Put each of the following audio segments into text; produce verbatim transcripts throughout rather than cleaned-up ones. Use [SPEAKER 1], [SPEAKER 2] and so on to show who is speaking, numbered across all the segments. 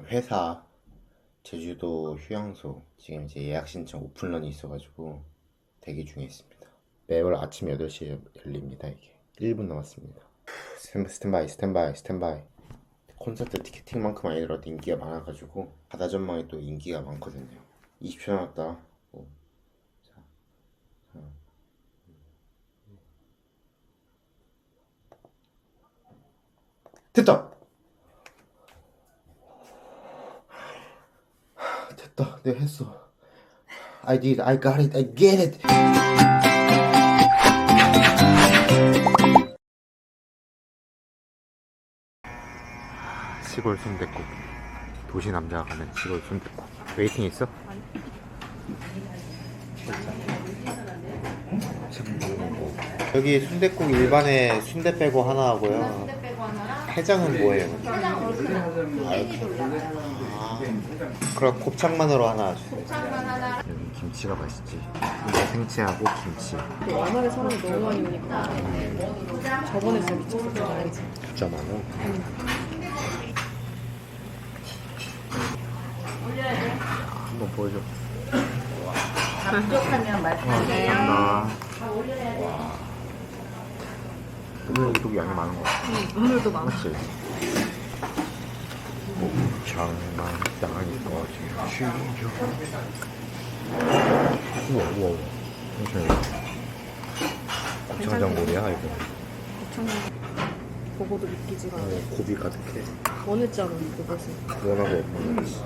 [SPEAKER 1] 회사 제주도 휴양소 지금 이제 예약 신청 오픈런이 있어가지고 대기 중에 있습니다. 매월 아침 여덟 시에 열립니다. 이게 일 분 남았습니다. 스탠- 스탠바이 스탠바이 스탠바이. 콘서트 티켓팅만큼 아니더라도 인기가 많아가지고 바다 전망이 또 인기가 많거든요. 이십 초 남았다. 오, 사, 삼. 됐다! 됐다. 내가 했어. I did. I got it. I get it. 시골 순댓국. 도시 남자가 가는 시골 순댓국. 웨이팅 있어? 여기 순댓국 일반에 순대 빼고 하나 하고요.
[SPEAKER 2] 순대 빼고 하나랑
[SPEAKER 1] 해장은 뭐예요?
[SPEAKER 2] 해장 얼큰
[SPEAKER 1] 아, 이렇게. 아, 그럼 곱창만으로 하나 주세요.
[SPEAKER 2] 곱창만 하나.
[SPEAKER 1] 여기 김치가 맛있지. 순대 생채하고 김치.
[SPEAKER 3] 워낙에 사람이 너무 많이 오니까 저번에 진짜 미쳤었잖아, 알지?
[SPEAKER 1] 진짜 많아. 한번 보여줘.
[SPEAKER 2] 부족하면 말씀하세요.
[SPEAKER 1] 감사합니다.
[SPEAKER 2] 올려야 돼.
[SPEAKER 1] 오늘 유독 양이 많은 것 같아.
[SPEAKER 3] 응, 오늘도 많아.
[SPEAKER 1] 맞지? 곱창만 땅이 꺼지죠. 우와 우와 우와. 잠시만요. 곱창전골이야 이거.
[SPEAKER 3] 곱창 보고도 믿기지가 않아.
[SPEAKER 1] 어, 고비 가득해.
[SPEAKER 3] 원했잖아, 그것을.
[SPEAKER 1] 원하고 없는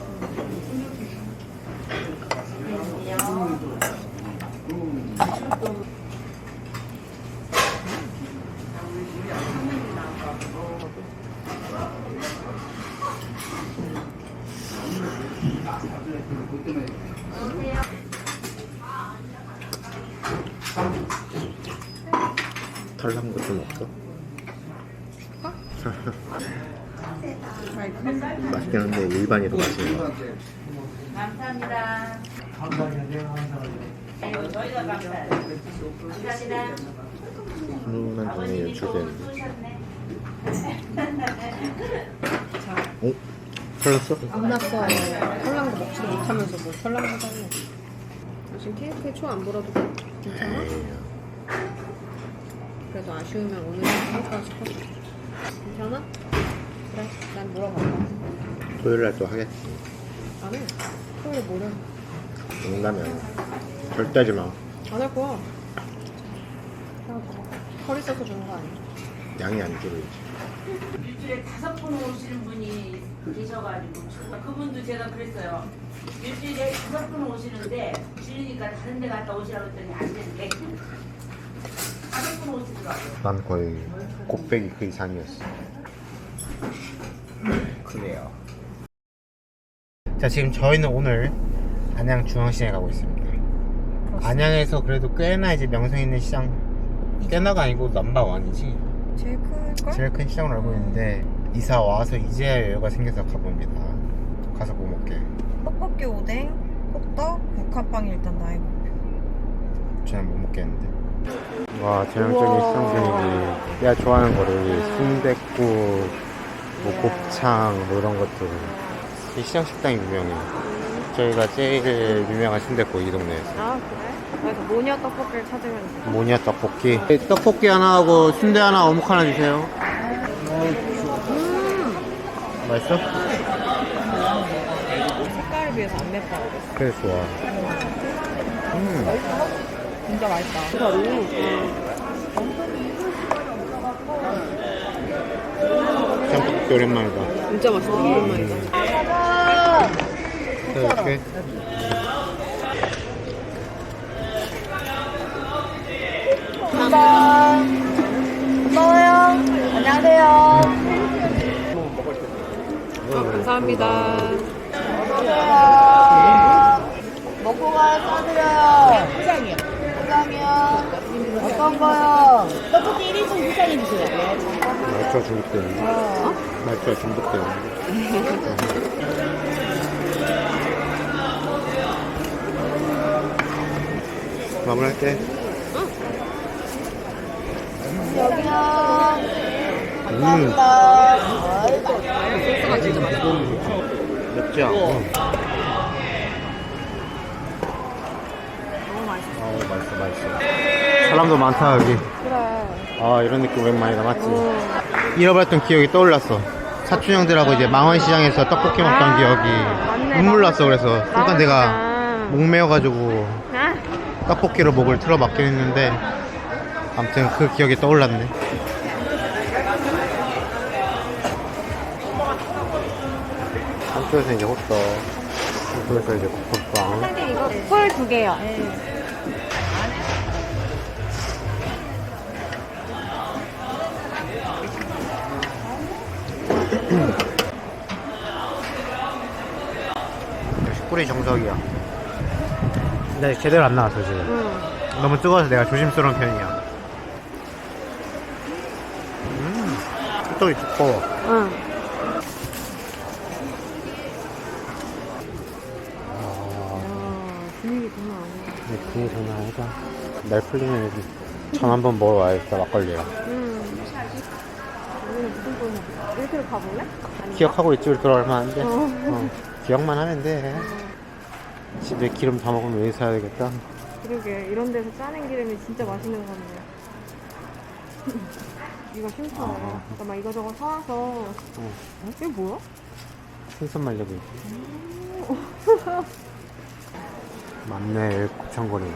[SPEAKER 1] 털난 거 좀 없어? 맛있긴 한데 일반이 더 맛있는 거 같아.
[SPEAKER 2] 감사합니다. 아이고, 저희가 감사해요. 감사합니다.
[SPEAKER 1] 훈훈한 장면이
[SPEAKER 2] 아버님이 또
[SPEAKER 1] 연출되는데.
[SPEAKER 2] 쏘셨네.
[SPEAKER 1] 어? 털났어?
[SPEAKER 3] 안 났어. 설랑도 먹지도 못하면서 뭐 설랑도 하네. 지금 케이크에 초 안 불어도 괜찮아?
[SPEAKER 1] 에이,
[SPEAKER 3] 그래도 아쉬우면 오늘 할까 싶었어. 괜찮아? 그래, 난 물어봤다.
[SPEAKER 1] 토요일날 또 하겠지.
[SPEAKER 3] 안 해. 토요일에 뭐래?
[SPEAKER 1] 농담이야. 절대 하지 마.
[SPEAKER 3] 안 할 거야. 그냥 허리 써서 주는 거 아니야?
[SPEAKER 1] 양이 안 줄어야지.
[SPEAKER 2] 일주일에 다섯 번 오시는 분이 계셔가지고 그분도 제가 그랬어요. 일주일에 다섯 번 오시는데 줄이니까 다른 데 갔다 오시라고 했더니 안 된대. 다섯 번 오시더라고요.
[SPEAKER 1] 난 거의 곱빼기 그 이상이었어. 그래요. 자, 지금 저희는 오늘 안양 중앙시장에 가고 있습니다. 안양에서 그래도 꽤나 이제 명성 있는 시장, 꽤나가 아니고 넘버원이지.
[SPEAKER 3] 제일 클걸?
[SPEAKER 1] 제일 큰 시장으로 알고 있는데 이사 와서 이제야 여유가 생겨서 가봅니다. 가서 뭐 먹게?
[SPEAKER 3] 떡볶이 오뎅, 호떡, 국화빵이 일단 나의 목표.
[SPEAKER 1] 저는 못 먹겠는데. 와, 전형적인 시장 분위기. 내가 좋아하는 거를 순댓국, 뭐 곱창 뭐 이런 것들. 이 시장 식당이 유명해. 저희가 제일 유명한 순댓국 이 동네에서.
[SPEAKER 3] 아 그래? 그래서 모니아 떡볶이를 찾으면 돼.
[SPEAKER 1] 모니아 떡볶이. 떡볶이 하나 하고 순대 하나 어묵 하나 주세요.
[SPEAKER 3] 음,
[SPEAKER 1] 맛있어?
[SPEAKER 3] 색깔에 비해서 안 맵다 그랬어.
[SPEAKER 1] 그래 좋아. 음.
[SPEAKER 3] 진짜 맛있다.
[SPEAKER 1] 짬뽕 오랜만이다.
[SPEAKER 3] 진짜 맛있다. 오랜만이다.
[SPEAKER 1] 이렇게.
[SPEAKER 2] 고마워요. 안녕하세요.
[SPEAKER 3] 아, 감사합니다.
[SPEAKER 2] 먹고 가요. 싸드려요. 포장이요. 포장이요. 어떤 거요? 떡볶이 일 인분 포장해 주세요.
[SPEAKER 1] 말투가 중독되는데. 어? 말투가 중독되는데. 마무리할게.
[SPEAKER 2] 여기요.
[SPEAKER 1] 음.
[SPEAKER 2] 감사합니다.
[SPEAKER 3] 소스가 진짜 맛있어.
[SPEAKER 1] 맵지 않고.
[SPEAKER 3] 너무 맛있어.
[SPEAKER 1] 어, 맛있어, 맛있어. 사람도 많다, 여기.
[SPEAKER 3] 그래.
[SPEAKER 1] 아, 이런 느낌 오랜만이다, 맞지?
[SPEAKER 3] 어.
[SPEAKER 1] 잃어버렸던 기억이 떠올랐어. 사촌 형들하고 이제 망원시장에서 떡볶이 먹던
[SPEAKER 3] 아,
[SPEAKER 1] 기억이
[SPEAKER 3] 맞네.
[SPEAKER 1] 눈물 났어. 그래서 순간 내가
[SPEAKER 3] 망원시장.
[SPEAKER 1] 목 메어가지고
[SPEAKER 3] 아,
[SPEAKER 1] 떡볶이로 목을 틀어막긴 했는데 아무튼 그 기억이 떠올랐네. 한쪽에서 이제 호떡, 한쪽에서 이제 국밥빵.
[SPEAKER 3] 사장님 이거 콜 두 개요.
[SPEAKER 1] 역시 꿀이 정석이야. 근데 제대로 안 나왔어 지금.
[SPEAKER 3] 응.
[SPEAKER 1] 너무 뜨거워서 내가 조심스러운 편이야. 음, 호떡이 두꺼워.
[SPEAKER 3] 응. 아, 분위기 장난 아니야.
[SPEAKER 1] 근데 그게 장난 아니다. 날 풀리면 전 한번 먹어와야겠다, 막걸리랑.
[SPEAKER 3] 응. 우리는 무슨 돈 이렇게 가볼래? 아니.
[SPEAKER 1] 기억하고 있지, 우리 들어갈 만한데.
[SPEAKER 3] 어.
[SPEAKER 1] 어, 기억만 하면 돼. 집에 기름 다 먹으면 여기 사야 되겠다.
[SPEAKER 3] 그러게 이런 데서 짜낸 기름이 진짜 맛있는 거네. 이거 심사.
[SPEAKER 1] 아.
[SPEAKER 3] 그러니까 막 이거저거 사와서.
[SPEAKER 1] 어.
[SPEAKER 3] 이게 뭐야?
[SPEAKER 1] 생선 말려고 있지. 맞네, 곱창거리네.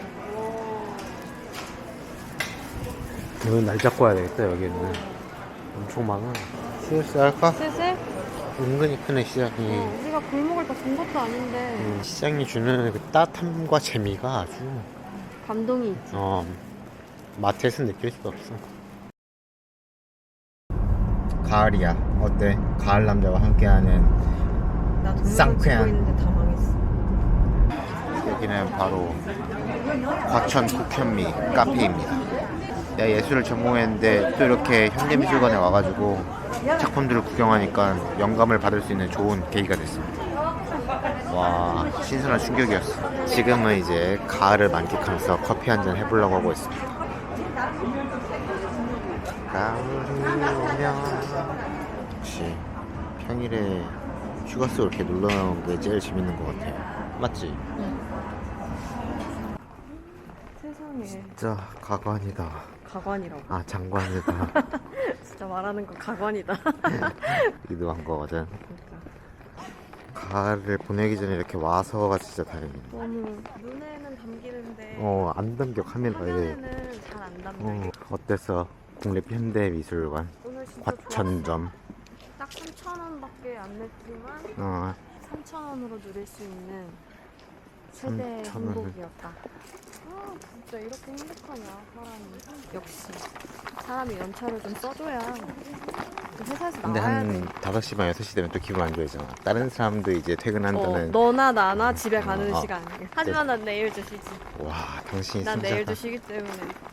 [SPEAKER 1] 여기 날 잡고 와야 되겠다, 여기는. 엄청 많아. 슬슬 할까?
[SPEAKER 3] 슬슬?
[SPEAKER 1] 은근히 크네, 시장이.
[SPEAKER 3] 어, 우리가 골목을 다 본 것도 아닌데
[SPEAKER 1] 음, 시장이 주는 그 따뜻함과 재미가 아주,
[SPEAKER 3] 감동이 있지.
[SPEAKER 1] 어, 마트에서 느낄 수가 없어. 가을이야. 어때? 가을 남자와 함께하는
[SPEAKER 3] 나 동영상
[SPEAKER 1] 쌍쾌한.
[SPEAKER 3] 찍고 있는데 다 망했어.
[SPEAKER 1] 여기는 바로 과천 국현미 카페입니다. 내가 예술을 전공했는데 또 이렇게 현대미술관에 와가지고 작품들을 구경하니까 영감을 받을 수 있는 좋은 계기가 됐습니다. 와, 신선한 충격이었어. 지금은 이제 가을을 만끽하면서 커피 한잔 해보려고 하고 있습니다. 가을이 오면 역시 평일에 휴가 쓰고 이렇게 놀러 나오는 게 제일 재밌는 것 같아요. 맞지?
[SPEAKER 3] 세상에
[SPEAKER 1] 진짜 가관이다.
[SPEAKER 3] 가관이라고.
[SPEAKER 1] 아, 장관이다.
[SPEAKER 3] 진짜 말하는 거 가관이다.
[SPEAKER 1] 기도한 거거든.
[SPEAKER 3] 그러니까
[SPEAKER 1] 가을을 보내기 전에 이렇게 와서가 진짜 다행이야.
[SPEAKER 3] 너무 눈에는 담기는데
[SPEAKER 1] 어, 안 담겨 카메라에.
[SPEAKER 3] 화면에는 잘 안 담겨.
[SPEAKER 1] 어, 어땠어? 국립현대미술관
[SPEAKER 3] 오늘 진짜
[SPEAKER 1] 과천점.
[SPEAKER 3] 좋았어. 딱 삼천 원밖에 안 냈지만
[SPEAKER 1] 어,
[SPEAKER 3] 삼천 원으로 누릴 수 있는 최대
[SPEAKER 1] 삼천 원을.
[SPEAKER 3] 행복이었다. 아 진짜 이렇게 행복하냐 사람이. 역시 사람이 연차를 좀 써줘야 그 회사에서
[SPEAKER 1] 근데
[SPEAKER 3] 나와야
[SPEAKER 1] 한
[SPEAKER 3] 돼.
[SPEAKER 1] 다섯 시 반 여섯 시 되면 또 기분 안 좋아지잖아. 다른 사람도 이제
[SPEAKER 3] 어,
[SPEAKER 1] 퇴근한다는.
[SPEAKER 3] 너나 나나 집에 가는
[SPEAKER 1] 어, 어.
[SPEAKER 3] 시간. 하지만 난 내일도 쉬지.
[SPEAKER 1] 와, 당신이
[SPEAKER 3] 난
[SPEAKER 1] 진짜.
[SPEAKER 3] 내일도 쉬기 때문에.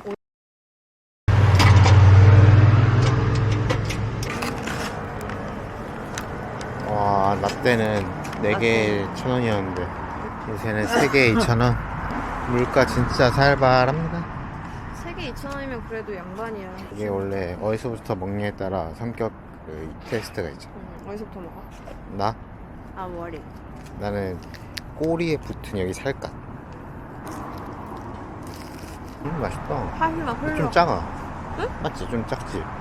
[SPEAKER 1] 와, 나 때는 네 개에 천 원이었는데 요새는 세 개에 이천 원. 물가 진짜 살벌합니다.
[SPEAKER 3] 세개 이천 원이면 그래도 양반이야.
[SPEAKER 1] 이게 원래 어디서부터 먹냐에 따라 성격 그 테스트가 있죠.
[SPEAKER 3] 응, 어디서부터 먹어?
[SPEAKER 1] 나?
[SPEAKER 3] 아 머리.
[SPEAKER 1] 나는 꼬리에 붙은 여기 살갗. 음, 맛있다.
[SPEAKER 3] 하지만 흘러.
[SPEAKER 1] 좀 작아. 맞지? 좀 작지?